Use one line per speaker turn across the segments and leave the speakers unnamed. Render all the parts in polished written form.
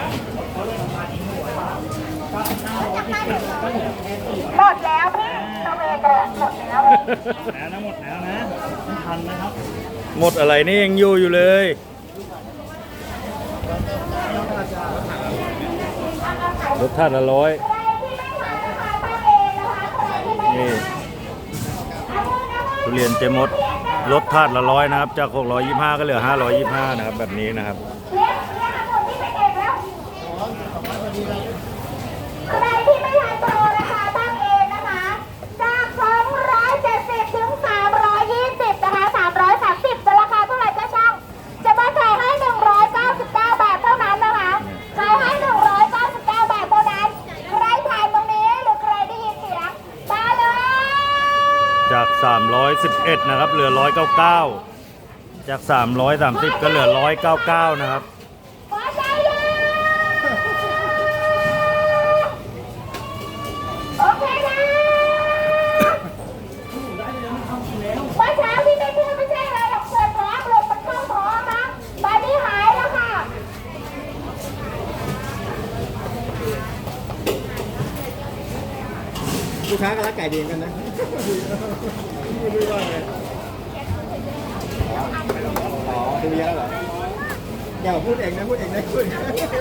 หมดแล้วพี่ตัวเองหมดแล้ว
หมดแล้วนะไม่ทันนะครับ
หมดอะไรนี่ยังอยู่เลยรสชาติ100นี่ทุเรียนเจมดรสชาติ100นะครับจาก625ก็เหลือ525นะครับแบบนี้นะครับ
ใครที่ไม่ทันโปรนะคะตั้งเองนะคะจาก270ถึง320นะคะ330จะราคาเท่าไหร่ก็ช่างจะมาขายให้199 บาทเท่านั้นนะคะขายให้199 บาทเท่านั้นใครผ่านตรงนี้หรือใครได้ยินเสียงมาเลย
จาก311นะครับเหลือ199จาก330ก็เหลือ199นะครับ
ลูกค้าก็รักไก่ดีกันนะอ๋อดูเยอะเหรออย่าพูดเองนะพูดเองนะพูด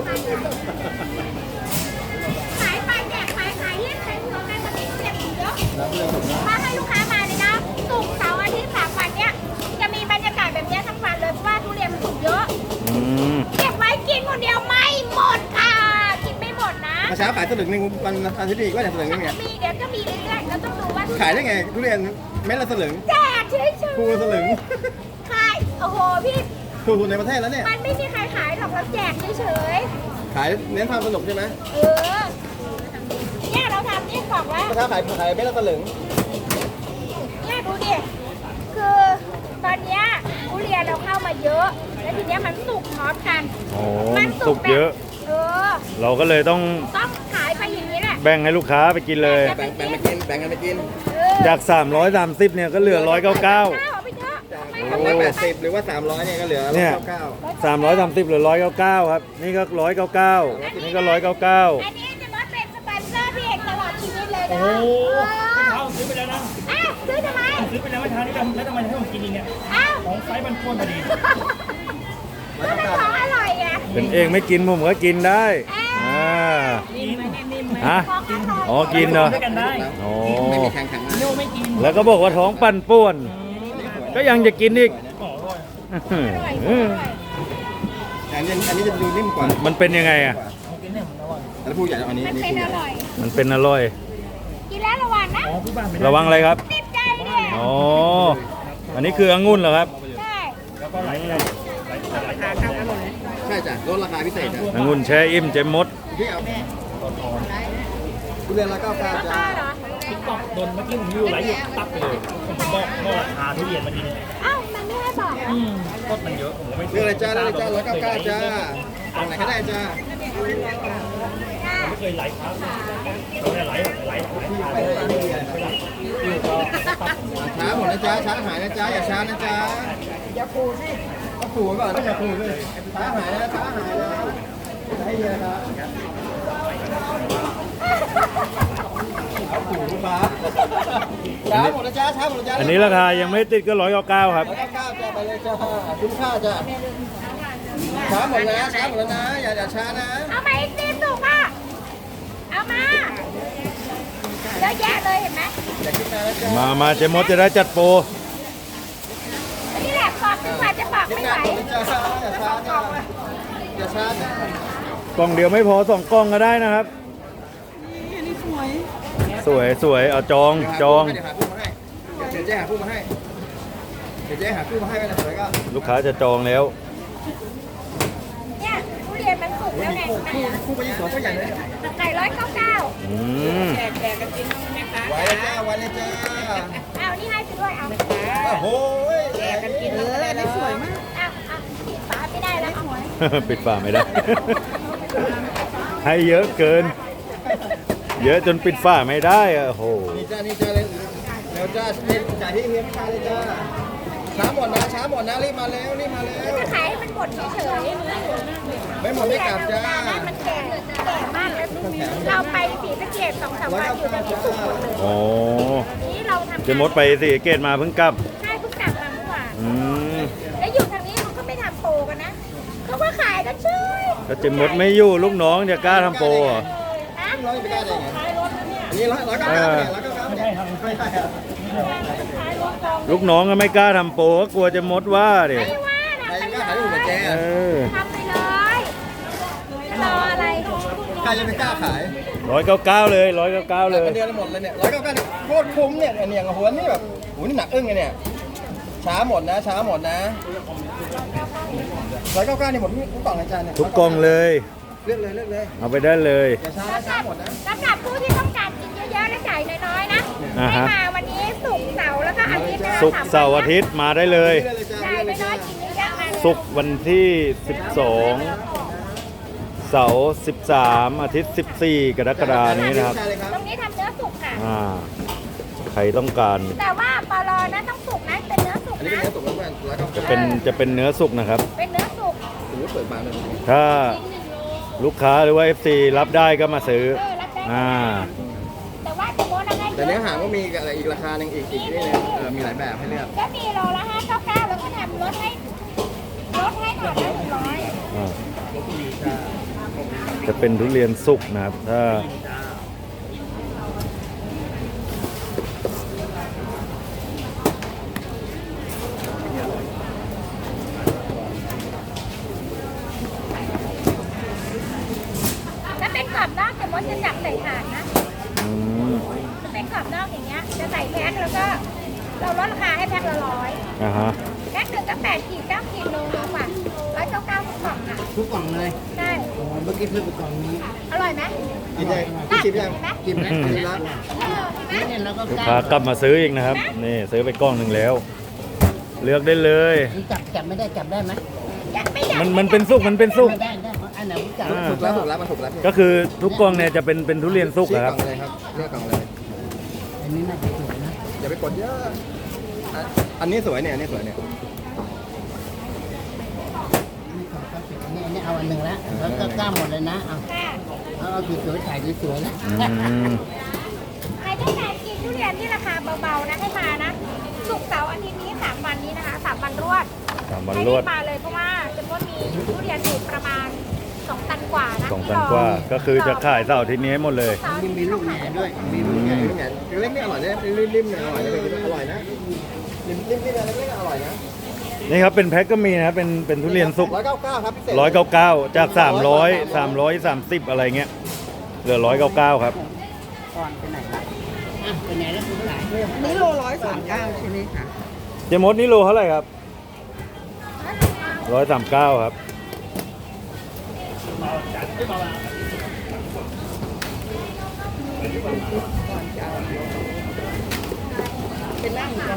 ขายไปแจกขายเรียกขายของในปฏิทินเรียกถูกเยอะถ้าให้ลูกค้ามาเลยนะศุกร์เสาร์อาทิตย์3 วันเนี้ยจะมีบรรยากาศแบบนี้ทั้งวันเลยเพราะว่าทุเรียนมันถูกเยอะเก็บไว้กินคนเดียวไม่หมดค่ะกินไม่หมดนะ
เช้าขายสลึงหนึ่งวันอาทิตย์อีกว่าจะสลึงยังไง
เดี๋ยวก็มีเรื่อยๆเราต้องดูว่า
ขายได้ไงทุเรียนเม็ดละสลึง
แจกเฉยๆ
คูสลึง
ขายโอ้โหพี่
ถูกในประเทศแล้วเนี่ย
มันไม่มีใครขายหรอกเราแจกเฉย
ๆขายเน้นความสนุกใช่ไหม
เนี่ยเราทำนี่บอกว่า
เช้าขายเม็ดละสลึง
เนี่ยดูดิคือตอนเนี้ยทุเรียนเราเข้ามาเยอะแล้วทีเนี้ยมันสุกพร้อมกัน
มันสุกเยอะเราก็เลยต้อง
ขายไปอย่างนี้แหละ
แบ่งให้ลูกค้าไปกินเลย
แบ่งกันไปกิน
จาก330เนี่ยก็เหลือ199
180หรือว่า300เนี่ยก็เหลือ
330เหลือ199ครับนี่ก็199นี่ก็199
อันนี้จะมาเป็นสปอนเซอร์พี่เอกตลอดชีวิตเลยนะ
โอ้โหเขาซื้อไปแล้วนะ
ซื้อทำไม
ซื้อไปแล้วไม่ทานนี่แล้วทำไมให้ผมกินอีกเนี่ยของไซส์มันพ้นพอดี
มันเป็นของอร่อยไง
เป็นเองไม่กินผมก็กินได้ฮะอ๋อกินเหรออ๋อแล้วก็บอกว่าท้องปั่นป่วนก็ยังจะกินอีก
อันนี้จะดูนิ่มกว่า
มันเป็นยังไงอ่ะ
แล้วผู้ใหญ่อันนี้
มันเป็นอร่อย
มันเป็นอร่อย
กินแล้วระวังนะ
ระวังอะไรครับ
ติดใจเนี่ย
อ๋ออันนี้คือองุ่นเหรอครับ
ใช่
แล้วก็ไหล
ใช่จ้ะลดราคาพิเศษจ้ะ
องุ่นแช่อิ่มเจมมด
ทุเรียนละ99จ้า
ติ๊กต็อกโดนเมื่อกี้ผมอยู่ไหลอยู่ตับเลยผมบอกราคาทุเรียนมาดี
มันไม่ให้บอก
ก็มันเยอะผมไม่
เลือกเลยจ้า199จ้าตรงไหนก็ได้จ้า
ไม่เคยไหลครับเราเนี่ยไหล
ช้าหมดนะจ้าช้าหายนะจ้าอย่าช้านะจ้าอย่าปูสิก็ปูก่อนอย่าปูเลยช้าหายนะให้เยอะครับช้าหมดนะจ้าช้าหมดนะจ้า
อันนี้ราคายังไม่ติดก็199ครับ
199จ้าไปเลยจ้าคุ้มค่าจ้าช้าหมดแล้วนะอย่าช้านะ
เอามาอีกนิดสุกอ่ะเอามาเยอะแยะเลยเห็นไหม
มาเจมมดจะได้จัดโปร
นี่แหละปอกดีกว่าจะปอกไม่ไหว
อย่าช้าจ้
กล่องเดียวไม่พอ2 กล่องก็ได้นะครับสวยเอาจอง
เดี๋ยวเจ๊หาคู่มาให้ไปเลยก็
ลูกค้าจะจองแล้ว
เนี่ยทุเรียนมันสุกแล้วไง
คู่ไป2ก็ใหญ่เลย
ไก่199แจกกันจริงไหมคะ
ไว้เลยจ้า
เอานี่ให้ไปด้วยเอา
โอ้โห
แจกกันกินเลยนี่สวยมากปิดฝาไม่ได้แล้ว
ปิดฝาไม่ได้ให้เยอะเกินเยอะจนปิดฝาไม่ได้โอ้โห
นี่จ้าเลยเดี๋ยวจ้าจ่ายที่เฮียไม่มาเลยจ้าช้าหมดนะรีบมาแล้ว
จะขายให้มันหมดเฉย
ไม่หมดไม่กลับจ้า
มันขเราไปศรีสะเกษ2-3 วันอยู่ตรงนี้สุกหมดเลย
อ๋อ
นี่เราทำ
เจมดไปสิเกตมาเพิ่งกลับ
ใช่เพิ่งกลับมาเมื่อวาน
อืม
แล้วอยู่ทางนี้เขาก็ไม่ทำโปรกันนะเขาก็ขายกันเฉย
ก็เจมดไม่อยู่ลูกน้องจะกล้าทำโปรเหรอ
นะ
ร้อยไปได้ไง
ขายรถนะเนี่ย
อันนี้199เนี่ย199เนี่ยไม่ได้ครับ
ขายรถกอง
ลูกน้องก็ไม่กล้าทำโปรก็กลัวเจมดว่าดิ
ไม่ว่านะ
ใคร
ไป
กล้า
เล
ขายถูกกว่าแก
เออ
ทำไปเลยรออะไร
ใครจะไปกล้าขาย
199เลย199เลย
เป็นเดือนละหมดเลยเนี่ย199เนี่ยโคตรคุ้มเนี่ยเนี่ยหัวนี่แบบโหนี่หนักอึ้งเลยเนี่ยช้าหมดนะ199นี่หมดทุกกล่องอาจารย์เนี่ย
ทุกกล่องเลย
เลือกเลย
เอาไปได้เลย
อย่าช้าหมดนะ
สำหรับผู้ที่ต้องการกินเยอะๆและจ่ายน้อยๆนะ
อ่า
ให้
ฮะ
มาวันนี้ศุกร์เสาร์แล้วก็อาทิตย์นะคะ
ศุกร์เสาร์อาทิตย์มาได้เลย
จ่ายน้อยๆกินเยอะๆมาเลย
ศุกร์วันที่ 12 เสาร์13 อาทิตย์ 14 กรกฎาคมนี้นะครับ
ตรงนี้ทำเนื้อสุกค่ะ
ใครต้องการ
แต่ว่าปลอนะต้องสุกนะเป็นเนื้อสุก
อันนี้
นะ
เป็นเนื้อสุกแล้วเพื่อนแล้วก็
จะเป็นเนื้อสุกนะครับ
เป็นเนื้อสุก
โอ้โหเปิดบานเลย
ถ้าลูกค้าหรือว่า FC รับได้ก็มาซื้อ
รับได้
อ่า
แต่ว่าจะโมนะให้
แต่เนื้อหางก็มีอะไรอีกราคาหนึ่งอีกนี่นึงมีหลายแบบให้เลือก
ก็มีโลละ599แล้วก็ทำลดให้หน่อยละ100
อ่าจะเป็นทุเรียนสุกนะครับ ถ้า
ถ้าเป็นกรอบนอกจะมดจะจับใส่ถาดนะ
อืม
จะเป็นกรอบนอกอย่างเงี้ยจะใส่แพ็คแล้วก็เราลดราคาให้แพ็คละ100
อ่าฮะ
แพ็คหนึ่งก็8 ขีด 9 ขีดโลนึงว่ะ199ทุกกล่องอ่ะ
ทุกกล่องเลย
ใช่
เมื่อกี้เพิ่มไปกล่องนี้
อร่อยไหม
กินได้พี่ชิมยังกินไหมกินแล้ว
เห็นไหม
ลูกค้ากลับมาซื้ออีกนะครับ นี่ซื้อไปกล้องหนึ่งแล้ว เลือกได้เลย
จับไม่ได้จับได้ไหม
ยังไม่อยาก
มันเป็นสุกมันเป็นสุก
ได้อันไหนผมจับ
ถูกแล้วมันถูกแล้ว
ก็คือทุกกล้องเนี่ยจะเป็นทุเรียนสุก
ชี้
นะ
ก
ค
ล่
รั
อบ งเลยครับเลือกกล่องเลย
อันนี้น่าจะสวยนะ
อย่าไปกดเยอะอันนี้สวยเนี่ยอันนี้สวยเนี่ย
อันนี้เอาอันหนึ่งแล้วแล้วก็กล้าหมดเลยนะเอา
ค่ะ
เอาสวยๆถ่ายสวยๆนะ
อืม
ใครต้องการกินทุเรียนที่ราคาเบาๆนะให้มานะศุกร์เสาร์อาทิตย์นี้3 วันนี้นะคะ3 วันรวด
3 วัน
ให้
ร
รี
วด
บมาเลยเพราะว่าจะว่ามีทุเรียนอยู่ประมาณ2 ตันกว่านะ
2 ตันกว่า ก็คือจะขายเสาร์อาทิตย์นี้ให้หมดเลย
มีลูกแหน่ด้วย
มีลูกเนี่ยเล็กนี่อร่อยนะริมๆเนี่ยอร่อยนะอร่อยนะริมนี่เล็กๆอร่อยนะ
นี่ครับเป็นแพ็คก็มีนะครับเป็นทุเรียนสุก
199ครับพิเศษ
199 จาก 330 อะไรเงี้ย เหลือ 199 ครับ
ก่อนไปไหนล่ะอ่ะไปไหนแล้วคุณหลาน
นี่โล139ใช่ไหมคะ
เจมดนี่โลเท่าไหร่ครับ 139 ครับ
เป็นร่างกัน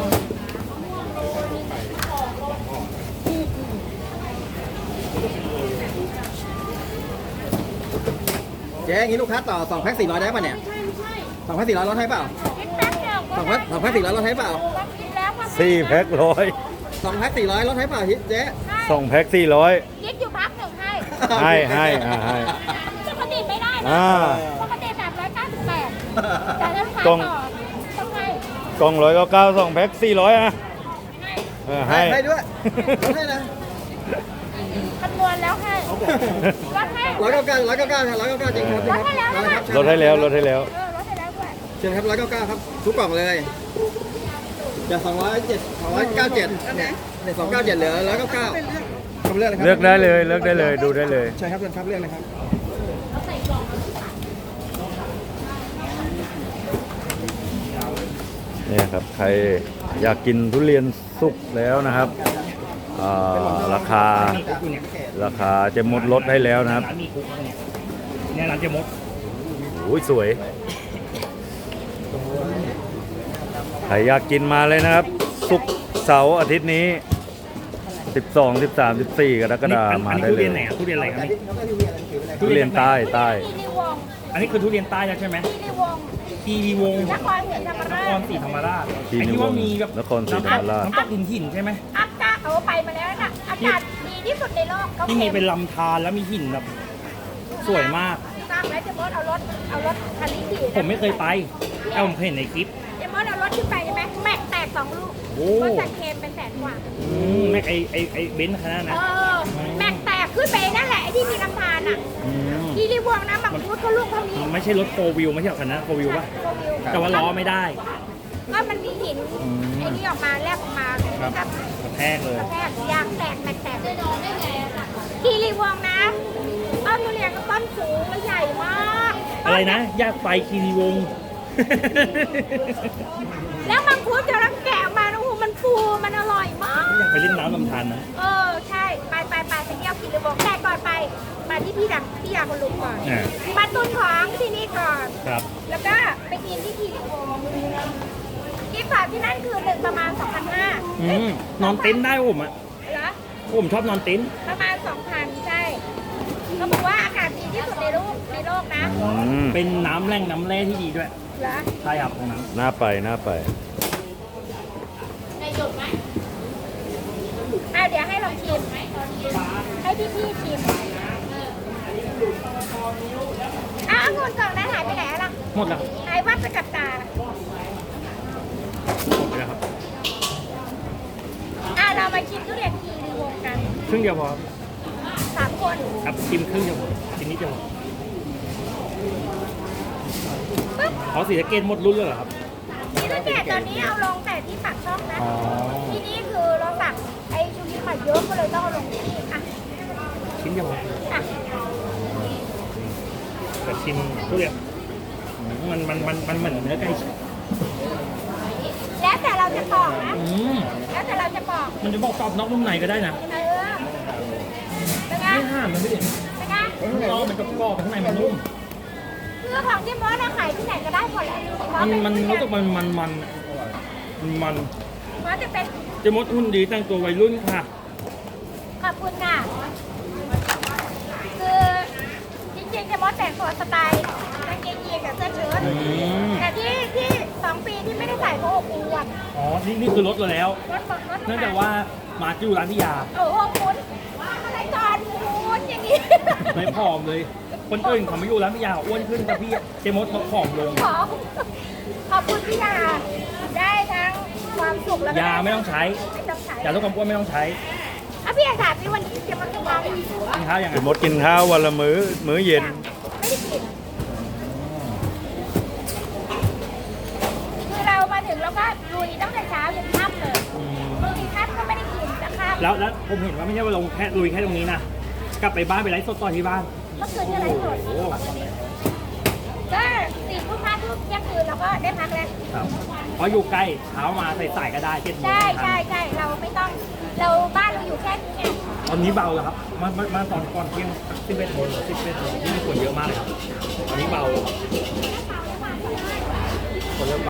เจ๊งี้ลูกค้าต่อ2 แพ็ค 400ได้ป่ะเนี่ย2 แพ็ค 400ลดให้เปล่า
คิดแป๊บเดียวก็
2 แพ็ค 400ลดให้เปล่า
คิดแล้วก็
4 แพ็คร้อย
2 แพ็ค 400ลดให้เปล่าเจ๊
2 แพ็ค 400
คิดอยู่พักหนึ่งให้
ให้ให้
ปกติไม่ได้นะ
อ่า
ปกติ398แต่ถ้าขาย
กล่
ต่
อ
อง ต้องให้
กล่อง199 2 แพ็ค 400อ่ะให้
ให้ด้วยให้นะ
คำนวณแล้วให้ลดให้
199จริงครับ
ลดให้แล้วนะคะ
ลดให้แล้วลดให้แล้ว
ลดให้แล้วด้วย
เชิญครับ199ครับทุกกล่องเลยจาก297เนี่ย297เหลือ199คำเลือกเลยครับ
เลือกได้เลยเลือกได้เลยดูได้เลย
ใช่ครับเชิญครับเลือกเลยครับ
เนี่ยครับใครอยากกินทุเรียนสุกแล้วนะครับราคาจะหมดลดให้แล้วนะครับ
ร้านมีคุกเนี่ยเนี่ยร้านเจมด
โอ้ยสวยใครอยากกินมาเลยนะครับสุกร์เสาร์อาทิตย์นี้ 12 13 14 กรกฎาคมมาได้
ทุ
เล
เรี
ย
ยนไหนอ่ะทุเรียนอะไรครับนี่
ทุเรียนใต้
ทีรีวงศ์
อันนี้คือทุเรียนใต้แล้วใช่ไหม
ทีรีวงศ์
ทีวีวงศ์
นครศรีธรรม
น
รา
ค
ช
รศรีธรรมราช
ที
ไอ้
วี
ที่
ว
ว่าง
ศ์
มีแบบ
นครศรีธรรมราช
น้ำตกหินใช่ไหม
อากาศเอาไปมาแล้วนะอากาศดีที่สุดในโลกเขา
ที่มีเป็นลำธารแล้วมีหินแบบสวยมาก
ใตั้งแล้วเจมส์เอารถคันนี้ขี่
ผมไม่เคยไปแต่ผมเคยเห็นในคลิป
เจมส์เอารถขึ้นไปใช่ไหมแม็กแตก2 ลูก
โอ้
รถจากเคมเป็น100,000 กว่า
แม็กไอเบนซ์คันนั้น
เอ
นะ
อแม็กแตกขึ้นไปนั่นแหละไอ้ที่มีลำธารอ่ะ
ม
ที่รีวงนะมังคุดเขาลูกเท่านี้
ไม่ใช่รถโฟวิวไม่ใช่หรอกคันนั้นโฟวิวป่ะ
โฟวิว
แต่ว่าล้อไม่ได้
ก็มันมีหินไอ้นี่ออกมาแลบออกมา
ครับ
ครับ
กระแทกเลย
กระแทกยางแตกแม็กแตกได้ไงที่รีวงนะต้นทุเรียนก็ต้นสูงและใหญ่มาก
อะไรนะยากไปคีรีวงศ์
แล้วมังคุดจะรังแกะออกมาโอ้โหมันฟูมันอร่อยมาก
อยากไปเล่นน้ำลำธารนะ
ใช่ไปเที่ยวกินรีวงแต่ก่อนไปมาที่พี่ยาคนลุงก่อน
อ่า
มาตุนของที่นี่ก่อน
ครับ
แล้วก็ไปกินที่ทีรีวงกินฝากที่นั่นคือหนึ่งประมาณ 2,500
นอนเต็นท์ได้ผมอ่ะ
เหรอ
ผมชอบนอนเต็นท์
ประมาณ 2,000 ใช่เขาบอกว่าอากาศดีที่สุดในโลกนะ
เป็นน้ำแร่ที่ดีด้วย
เหรอ
ใช่ครับตรงนั้น
น่าไปน่าไป
เดี๋ยวให้ลองชิมให้พี่ชิมองุ่นกล่องนั้นหายไปไหนล่ะ
หมดแล้ว
หายวับไปกับตา
หมดไปแล้วครับ
เรามาชิมทุเรียนทีรีวงกัน
ครึ่งเดียวพอ
3 คน
ครับชิมครึ่งเดียวพอชิ้นนี้เดียวพอ
ปึ๊บ
เขาสีสะเกตหมดรุ่นเลยเหรอครับ
นี่ตั้งแต่ตอนนี้เอาลงแต่ที่ปากช่องนะ
อ๋อ
ที่นี่คือเราสั่งไอ้ชูริมาเยอะก็เลยต้องเอาลงที่นี่
ชิ้นเดียวพอ
อ่ะ
แต่ชิมทุเรียนมันเหมือนเนื้อไก่
แล้วแต่เราจะปอกนะ
อืม
แล้วแต่เราจะปอก
มันจะบอกกรอบนอกนุ่มในก็ได้นะ
เป็นไง
ไม่ห้ามมันไม่ได้
เป็นไง
ข้างนอกมันกรอบข้างในมันนุ่ม
คือของที่มอสเราขายที่ไหนก็ได้หมดแหละ
มันรู้สึกมัน
มอสจะเป็น
เจะมดหุ่นดีแต่งตัววัยรุ่นค่ะ
ขอบคุณค่ะ คือจริงๆจะมอสแต่งตัวสไตล์กางเกงยีนกับเสื้อเชิ้ต
ม
แต่ที่2 ปีที่ไม่ได้ใส่เพราะอบอวด
อ๋อ นี่คือรถเราแล้ว
รถ
เนื่องจากว่ามาที่อยู่ร้านพิยา
โอ้โหคุณอะไรก่อนคุณอย่างนี้
ไม่ผอมเลย คนอื่นเขาไม่อยู่ร้านพิยาอ้วนขึ้นแต่พี่เจมดมาผอมลง
ขอบคุณพี่ยาได้ทั้งความสุขแล้วก็
ยาไม่ต้องใช้
ไม่ต้องใช้
ยาลดความอ้วนไม่ต้องใช้
พี่ยาถามพี่วันนี้จะมาทำอะไร
กินข้าวยังไง
มดกินข้าววันละมื้อเย็น
ไม่ได้กินคือเรามาถึงแล้วก็ลุยตั้งแต่เช้าจนค่ำเลยบางทีค่ำก็ไม่ได้กินจะค่ำ
แล้วผมเห็นว่าไม่ใช่ว่าลงแค่ลุยแค่ตรงนี้นะ กลับไปบ้านไปไลฟ์สดต่อที่บ้าน
เมื่อคืนก็ไลฟ์สด
โอ้โห
ก็4 ทุ่ม 5 ทุ่มเที่ยงคืนเราก็ได้พักแล้ว
ครับเพราะอยู่ใกล้เช้ามาใส่ๆก็ได้7 โมง
ใช่
ทัน
ใช่เราไม่ต้องบ้านเราอยู่แค่นี้ไง
ตอนนี้เบาแล้วครับมาตอนก่อนเที่ยง11 โมง11 โมงนี่มีคนเยอะมากเลยครับ ตอนนี้เบาคนเริ่ม